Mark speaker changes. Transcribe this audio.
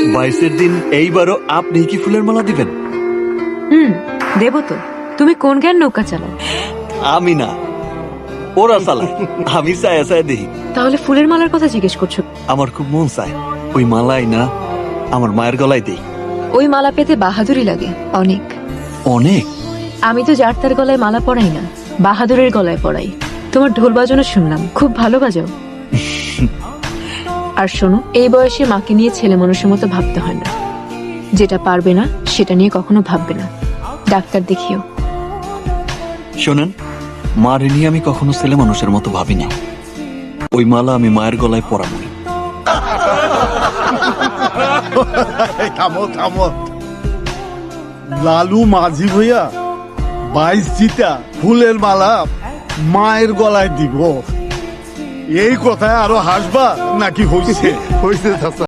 Speaker 1: 22-এর দিন এইবারও আপনি কি ফুলের মালা দিবেন?
Speaker 2: দেব তো। তুমি কোন জ্ঞান নৌকা চালাও?
Speaker 1: আমি না, ওরা চালায়, আমি চায়া চায়া দেখি।
Speaker 2: তাহলে ফুলের মালার কথা জিজ্ঞেস করছো?
Speaker 1: আমার খুব মন চায় ওই মালাই না আমার মায়ের গলায় দেই।
Speaker 2: ওই মালা পেতে বাহাদুরি লাগে অনেক।
Speaker 1: অনেক?
Speaker 2: আমি তো যার তার গলায় মালা পরাই না, বাহাদুরের গলায় পরাই। তোমার ঢোল বাজানো শুনলাম, খুব ভালো বাজাও। আর শোনো, এই বয়সে মাকে নিয়ে ছেলে মানুষের মতো ভাবতে হয় না। যেটা পারবে না সেটা নিয়ে কখনো ভাববে না। ডাক্তার দেখিও।
Speaker 1: শোনেন, মারে নিয়ে আমি কখনো ছেলে মানুষের মতো ভাবি না। ওই মালা আমি মায়ের গলায় পরাবো।
Speaker 3: থামো থামো, লালু মাঝি ভইয়া 22 জিতা ফুলের মালা মায়ের গলায় দিব, এই কথায় আরো হাসবা নাকি হইছে? হইছে চাচা।